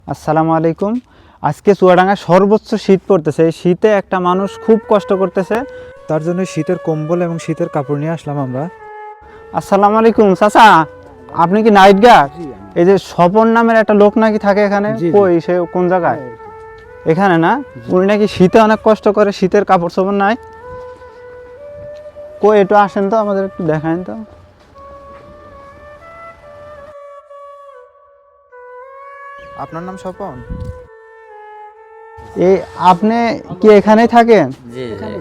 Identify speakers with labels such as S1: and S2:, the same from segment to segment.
S1: আসসালামু আলাইকুম। আজকে চুয়াডাঙ্গায় সর্বোচ্চ শীত পড়তেছে। এই শীতে একটা মানুষ খুব কষ্ট করতেছে,
S2: তার জন্য শীতের কম্বল এবং শীতের কাপড় নিয়ে আসলাম আমরা।
S1: আসসালামু আলাইকুম চাচা, আপনি কি নাইট গার্ড? এই যে স্বপন নামের একটা লোক নাকি থাকে এখানে, কই সে কোন জায়গায়? এখানে না, উনি নাকি শীতে অনেক কষ্ট করে, শীতের কাপড় চোপড় নাই। কই একটু আসেন তো, আমাদের একটু দেখান তো।
S2: আপনার নাম স্বপন?
S1: এই আপনি কি এখানেই থাকেন?
S3: জি জি।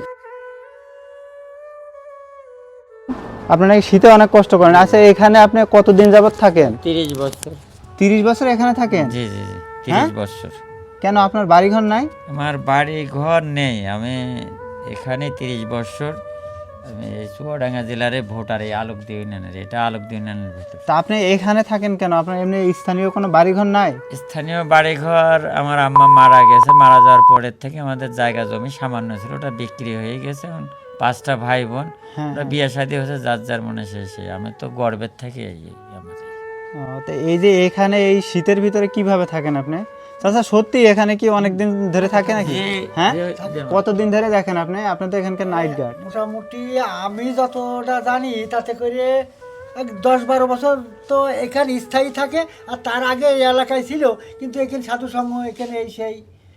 S1: আপনি নাকি শীতে অনেক কষ্ট করেন। আচ্ছা, এখানে আপনি কতদিন যাবত থাকেন?
S3: 30 বছর।
S1: 30 বছর এখানে থাকেন?
S3: জি জি জি,
S1: হ্যাঁ?
S3: 30 বছর।
S1: কেন, আপনার বাড়িঘর নাই?
S3: আমার বাড়ি ঘর নেই, আমি এখানে 30 বছর। আমি এই চুয়াডাঙ্গা জেলার ভোটার, এই আলোকদি ইউনিয়নের, এটা আলোকদি ইউনিয়নের ভিতর।
S1: তা আপনি এখানে থাকেন কেন? আপনার এমনি স্থানীয় কোনো বাড়িঘর নাই?
S3: স্থানীয় বাড়িঘর, আমার আম্মা মারা গেছে, মারা যাওয়ার পরের থেকে আমাদের জায়গা জমি সামান্য ছিল, ওটা বিক্রি হয়ে গেছে। এখন 5টা ভাই বোন,
S1: হ্যাঁ,
S3: ওরা বিয়ে শাদী হয়েছে যার যার মনে শেষে। আমি তো গর্বের থেকে আমাদের
S1: তো এই যে এখানে এই শীতের ভিতরে কিভাবে থাকেন আপনি? চাচা সত্যি এখানে কি অনেক দিন ধরে থাকে নাকি? হ্যাঁ, কতদিন ধরে দেখেন আপনি? আপনি তো এখানকার নাইট গার্ড।
S4: মোটামুটি আমি যতটা জানি তাতে করে 10-12 বছর তো এখানে স্থায়ী থাকে। আর তার আগে এই এলাকায় ছিল, কিন্তু এখানে সাধু সংঘ এখানে এই সেই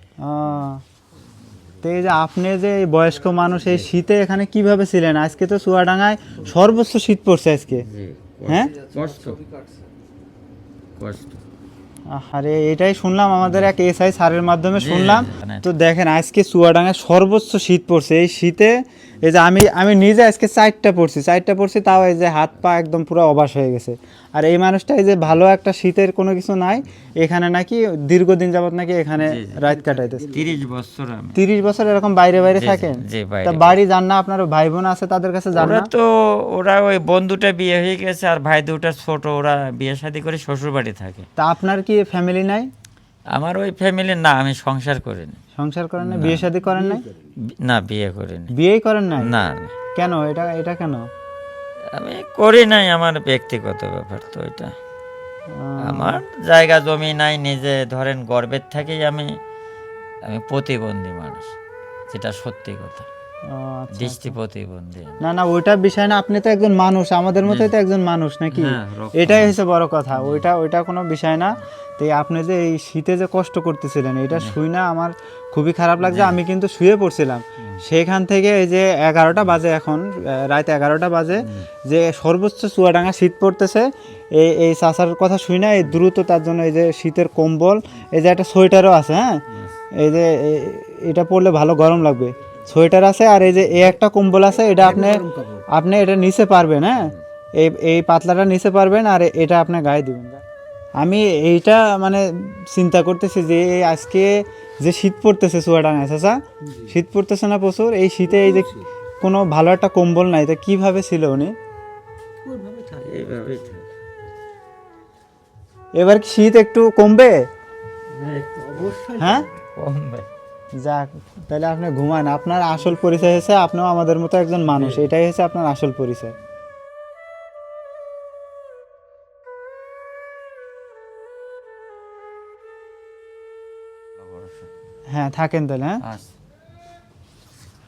S1: তো এই যে আপনি যে এই বয়স্ক মানুষ, এই শীতে এখানে কিভাবে ছিলেন? আজকে তো চুয়াডাঙ্গায় সর্বোচ্চ শীত পড়ছে আজকে। হ্যাঁ,
S3: কষ্ট কষ্ট।
S1: আরে এটাই শুনলাম, আমাদের এক এসআই স্যারের মাধ্যমে
S3: জি,
S1: শুনলাম।
S3: মানে
S1: তো দেখেন আজকে চুয়াডাঙ্গায় সর্বোচ্চ শীত পড়ছে। এই শীতে এই যে আমি নিজে আজকে 4টা পড়ছি, তাও এই যে হাত পা একদম পুরো অবাস হয়ে গেছে। আর এই মানুষটা এই যে ভালো একটা শীতের কোনো কিছু নাই, এখানে নাকি দীর্ঘদিন যাবত নাকি এখানে
S3: জি, জি।
S1: রাত কাটাইতেছে।
S3: 30 বছর আমি।
S1: 30 বছর এরকম বাইরে বাইরে
S3: জি, জি,
S1: থাকেন?
S3: জি, বাইরে
S1: তা বাড়ি যান না? আপনার ভাই বোন আছে, তাদের কাছে যান
S3: ওরা
S1: না?
S3: তো ওই বন্ধুটা বিয়ে হয়ে গেছে, আর ভাই দুটা ছোট, ওরা বিয়ে শাদী করে শ্বশুর বাড়ি থাকে।
S1: তা আপনার কি ফ্যামিলি নাই?
S3: আমার ওই ফ্যামিলি না, আমি সংসার করিনি।
S1: সংসার করেন না? বিয়ে শাদী করেন নাই?
S3: না, বিয়ে করিনি।
S1: বিয়েই করেন নাই?
S3: না,
S1: কেন? এটা এটা কেন?
S3: আমি করি নাই, আমার ব্যক্তিগত ব্যাপার তো এটা। আমার জায়গা জমি নাই, নিজে ধরেন গর্বের থেকেই আমি আমি প্রতিবন্ধী মানুষ, যেটা সত্যি কথা।
S1: আচ্ছা।
S3: দৃষ্টি প্রতিবন্ধী আমি।
S1: না না, ওইটা বিষয় না, আপনি তো একজন মানুষ, আমাদের মতোই তো একজন মানুষ নাকি?
S3: হ্যাঁ, রক্ত
S1: এটাই হচ্ছে বড় কথা। ওইটা কোনো বিষয় না। তো এই আপনি যে এই শীতে যে কষ্ট করতেছিলেন, এটা শুই না আমার খুবই খারাপ লাগছে। আমি কিন্তু শুয়ে পড়ছিলাম, সেখান থেকে এই যে 11টা বাজে এখন, রাত 11টা বাজে, যে সর্বোচ্চ চুয়াডাঙ্গা শীত পড়তেছে। এই চাচার কথা শুই না, এই দ্রুত তার জন্য এই যে শীতের কম্বল, এই যে একটা সোয়েটারও আছে। হ্যাঁ, এই যে এটা পরলে ভালো গরম লাগবে, সোয়েটার আছে। আর এই যে এই একটা কম্বল আছে, এটা আপনি আপনি এটা নিচে পারবেন। হ্যাঁ, এই পাতলাটা নিচে পারবেন, আর এটা আপনি গায়ে দিবেন। আমি এইটা মানে চিন্তা করতেছি যে এই আজকে যে শীত পড়তেছে চুয়াডাঙ্গায়, চাচা শীত পড়তেছে না প্রচুর? এই শীতে এই যে কোনো ভালো একটা কম্বল নাই, তা কিভাবে ছিল উনি?
S3: এইভাবেই থাকে।
S1: এবার কি শীত একটু কমবে?
S4: অবশ্যই
S1: হ্যাঁ,
S3: কমবে।
S1: যাক, তাহলে আপনি ঘুমান। আপনার আসল পরিচয় হচ্ছে আপনিও আমাদের মতো একজন মানুষ, এটাই হচ্ছে আপনার আসল পরিচয়। হ্যাঁ, থাকেন তাহলে। হ্যাঁ,
S3: আচ্ছা।